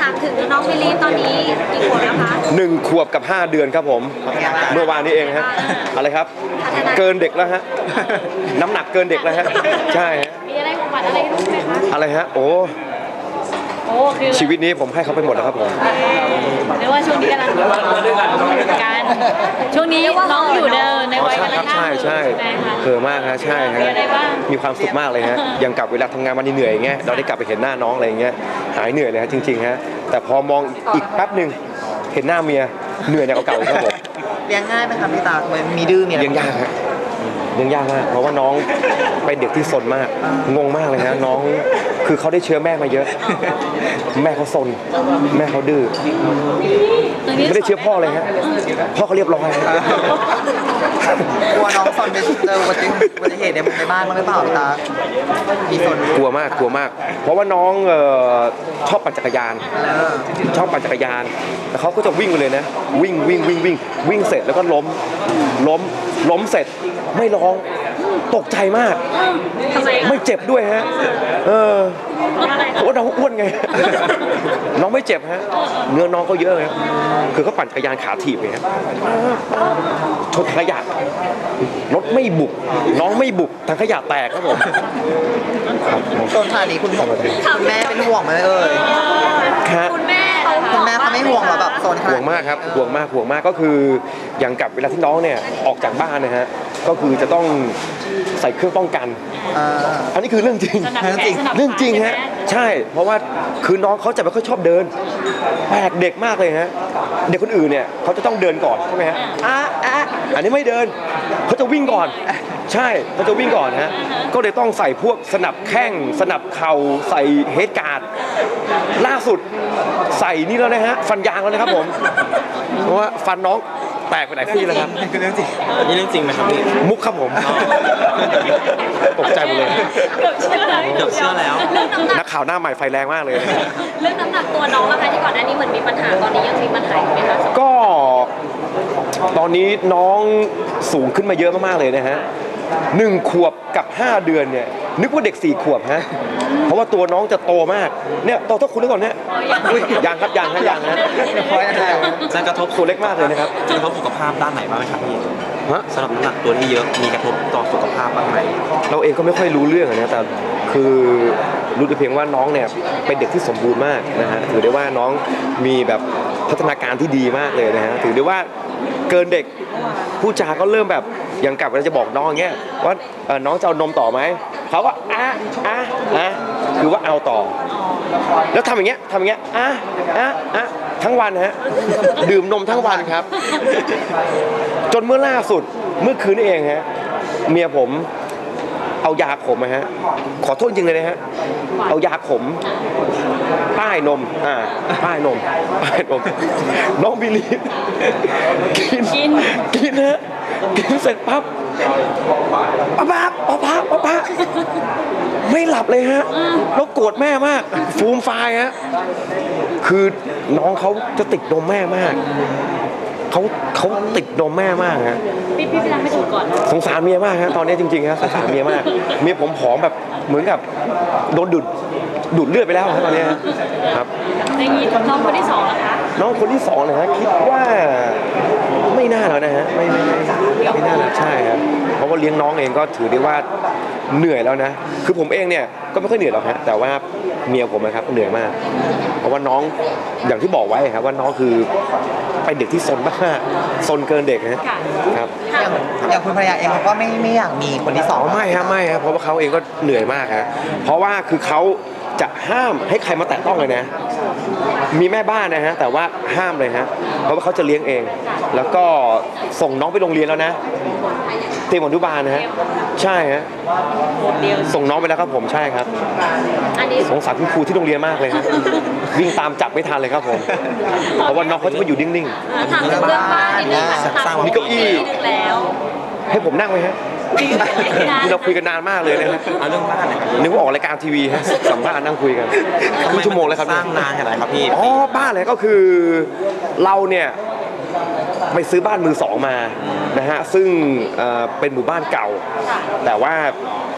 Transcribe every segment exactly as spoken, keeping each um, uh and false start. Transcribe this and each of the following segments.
ามถึงน้องมิลลีตอนนี้กี่ขวบแล้วคะหนึ่งขวบกับห้าเดือนครับผมเมื่อวานนี้เองฮะอะไรครับเกินเด็กแล้วฮะน้ำหนักเกินเด็กแล้วฮะใช่ฮะมีอะไรของขวัญอะไรให้ลูกไหมคะอะไรฮะโอ้โอ้คือชีวิตนี้ผมให้เขาไปหมดแล้วครับผมเรียกว่าช่วงนี้กำลังการช่วงนี้น้องอยู่ในในวัยกำลังใช่ใช่เผลอมากฮะใช่ฮะมีความสุขมากเลยฮะยังกลับเวลาทำงานวันนี้เหนื่อยอย่างเงี้ยเราได้กลับไปเห็นหน้าน้องอะไรอย่างเงี้ยหายเหนื่อยเลยฮะจริงๆฮะแต่พอมองอีกแป๊บหนึ่งเห็นหน้าเมียเหนื่อยหนักกว่าเก่าครับผมเลี้ยงง่ายไหมครับพี่ตามีดื้อมีอะไรเลี้ยงยากฮะเลี้ยงยากมากเพราะว่าน้องเป็นเด็กที่ซนมากงงมากเลยฮะน้องคือเขาได้เชื้อแม่มาเยอะแม่เขาซนแม่เขาดื้อไม่ได้เชื้อพ่อเลยฮะพ่อเขาเรียบร้อยกลัวน้องซนไปเจออุบัติอุบัติเหตุในบ้านมั้งหรือเปล่าพี่ตามีซนกลัวมากกลัวมาก เพราะว่าน้องเอ่อชอบปั่นจักรยานชอบปั่นจักรยานแล้วเขาก็จะวิ่งไปเลยนะวิ่งวิ่งวิ่งวิ่งวิ่งเสร็จแล้วก็ล้มล้มล้มเสร็จไม่ร้องตกใจมากไม่เจ็บด้วยฮะเออเพราะว่าน้องอ้วนไงน้องไม่เจ็บฮะเนื้อน้องเขาเยอะเลยคือเขาปั่นจักรยานขาถีบเลยฮะชนขยะรถไม่บุกน้องไม่บุกทางขยะแตกครับผมโซนขนาดนี้คุณคุณแม่เป็นห่วงไหมเอ่ยคุณแม่คุณแม่เขาไม่ห่วงหรอแบบโซนห่วงมากครับห่วงมากห่วงมากก็คืออย่างกับเวลาที่น้องเนี่ยออกจากบ้านนะฮะก็คือจะต้องใส่เครื่องป้องกันอันนี้คือเรื่องจริงเรื่องจริงฮะใช่เพราะว่าคือน้องเขาจะไม่ค่อยชอบเดินแปลกเด็กมากเลยฮะเด็กคนอื่นเนี่ยเขาจะต้องเดินก่อนใช่ไหมฮะอ่ะอ่ะอันนี้ไม่เดินเขาจะวิ่งก่อนใช่เขาจะวิ่งก่อนฮะก็เลยต้องใส่พวกสนับแข้งสนับเข่าใส่เฮดการ์ดล่าสุดใส่นี่แล้วนะฮะฟันยางแล้วนะครับผมเพราะว่าฟันน้องแตกไปหลายที่แล้วครับคือเรื่องจริงนี่เรื่องจริงไหมครับนี่มุกครับผมตกใจหมดเลยเกือบเชื่อแล้วเกือบเชื่อแล้วนักข่าวหน้าใหม่ไฟแรงมากเลยเรื่องน้ำหนักตัวน้องนะคะที่ก่อนหน้านี้เหมือนมีปัญหาตอนนี้ยังมีปัญหาอยู่ไหมคะก็ตอนนี้น้องสูงขึ้นมาเยอะมากๆเลยนะฮะหนึ่งขวบกับห้าเดือนเนี่ยนึกว่าเด็กสี่ขวบฮะเพราะว่าตัวน้องจะโตมากเนี่ยโตเท่าคุณแล้วก่อนเนี่ยยางครับยางฮะยางฮะจะกระทบตัวเล็กมากเลยนะครับจะกระทบสุขภาพด้านไหนบ้างไหมครับพี่สำหรับน้ำหนักตัวที่เยอะมีกระทบต่อสุขภาพบ้างไหมเราเองก็ไม่ค่อยรู้เรื่องนะแต่คือรู้แต่เพียงว่าน้องเนี่ยเป็นเด็กที่สมบูรณ์มากนะฮะถือได้ว่าน้องมีแบบพัฒนาการที่ดีมากเลยนะฮะถือได้ว่าเกินเด็กผู้จาก็เริ่มแบบยังกลับเราจะบอกน้องอย่างเงี้ยว่าน้องจะเอานมต่อไหมเขาก็อ่ะอ่ะอ่ะคือว่าเอาต่อแล้วทำอย่างเงี้ยทำอย่างเงี้ยอ่ะอ่ะอ่ะทั้งวันฮะดื่มนมทั้งวันครับจนเมื่อล่าสุดเมื่อคืนนี่เองฮะเมียผมเอายาขมนะฮะขอโทษจริงเลยนะฮะเอายาขมป้ายนมอ่าป้ายนมป้ายนมน้องบิลลี่กินกินฮะกินเสร็จปั๊บป๊าป๊าป๊าป๊าป๊าป๊าไม่หลับเลยฮะแล้วโกรธแม่มากฟูมไฟฮะคือน้องเขาจะติดนมแม่มากเขาเขาติดนมแม่มากฮะพี่พี่พี่รักไม่ถูกก่อนสงสารเมียมากฮะตอนนี้จริงๆฮะสงสารเมียมากเมียผมผอมแบบเหมือนกับโดนดูดดูดเลือดไปแล้วครับตอนนี้ครับในนี้น้องคนที่สองนะคะน้องคนที่สองนะฮะคิดว่าไม่น่าแล้วนะฮะไม่ไม่ไม่ไม่น่าแล้วใช่ครับเพราะว่าเลี้ยงน้องเองก็ถือได้ว่าเหนื่อยแล้วนะคือผมเองเนี่ยก็ไม่ค่อยเหนื่อยหรอกฮะแต่ว่าเมียผมนะครับเหนื่อยมากเพราะว่าน้องอย่างที่บอกไว้ครับว่าน้องคือเป็นเด็กที่ซนมากซนเกินเด็กนะครับอย่างอย่างคุณภรรยาเองเขาก็ไม่ไม่อยากมีคนที่สองไม่ครับไม่ครับเพราะว่าเขาเองก็เหนื่อยมากฮะเพราะว่าคือเขาจะห้ามให้ใครมาแตะต้องเลยนะมีแม่บ้านนะฮะแต่ว่าห้ามเลยฮะเพราะว่าเขาจะเลี้ยงเองแล้วก็ส่งน้องไปโรงเรียนแล้วนะเตรียมอนุบาลนะฮะใช่ฮะส่งน้องไปแล้วครับผมใช่ครับสงสารคุณครูที่โรงเรียนมากเลยครับวิ่งตามจับไม่ทันเลยครับผมเพราะว่าน้องเขาจะมาอยู่นิ่งๆถามเรื่องบ้านนิดนึงค่ะมีเก้าอี้ให้ผมนั่งไหมฮะที่เราคุยกันนานมากเลยนะฮะเรื่องบ้านเนี่ยนึกว่าออกรายการทีวีฮะสัมภาษณ์นั่งคุยกันครึ่งชั่วโมงแล้วครับสร้างนานขนาดไหนครับพี่อ๋อบ้านเลยก็คือเราเนี่ยไปซื้อบ้านมือสองมานะฮะซึ่งเป็นหมู่บ้านเก่าแต่ว่า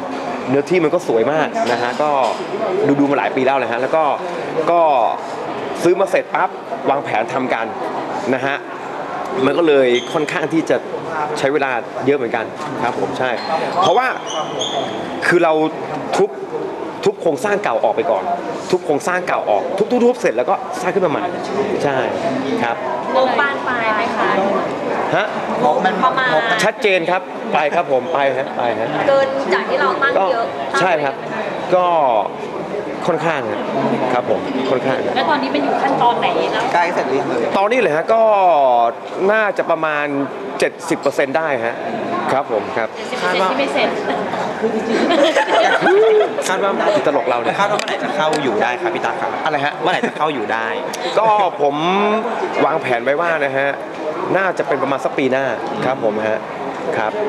เนื้อที่มันก็สวยมากนะฮะก็ดูดูมาหลายปีแล้วนะฮะแล้วก็ก็ซื้อมาเสร็จปั๊บวางแผนทำกันนะฮะมันก็เลยค่อนข้างที่จะใช้เวลาเยอะเหมือนกันครับผมใช่ เพราะว่าคือเราทุบทุบโครงสร้างเก่าออกไปก่อน ทุบโครงสร้างเก่าออกทุบทุบๆเสร็จแล้วก็สร้างขึ้นมาใหม่ใช่ครับงบบ้านปลายไหมคะฮะงบมันประมาณงบมันชัดเจนครับไปครับผมไปฮะไปฮะเกินจากที่เราตั้งก็เยอะใช่ครับก็ค่อนข้างครับผมค่อนข้างแล้วตอนนี้เป็นอยู่ขั้นตอนไหนแล้วใกล้เสร็จหรือยังเลยตอนนี้เลยฮะก็น่าจะประมาณ เจ็ดสิบเปอร์เซ็นต์ ได้ฮะครับผมครับสิบเปอร์เซ็นต์ที่ไม่เสร็จคาดว่าติดตลกเราเนี่ยคาดว่าเมื่อไหร่จะเข้าอยู่ได้ครับพี่ตาครับอะไรฮะเมื่อไหร่จะเข้าอยู่ได้ก็ผมวางแผนไว้ว่านะฮะน่าจะเป็นประมาณสักปีหน้าครับผมฮะครับ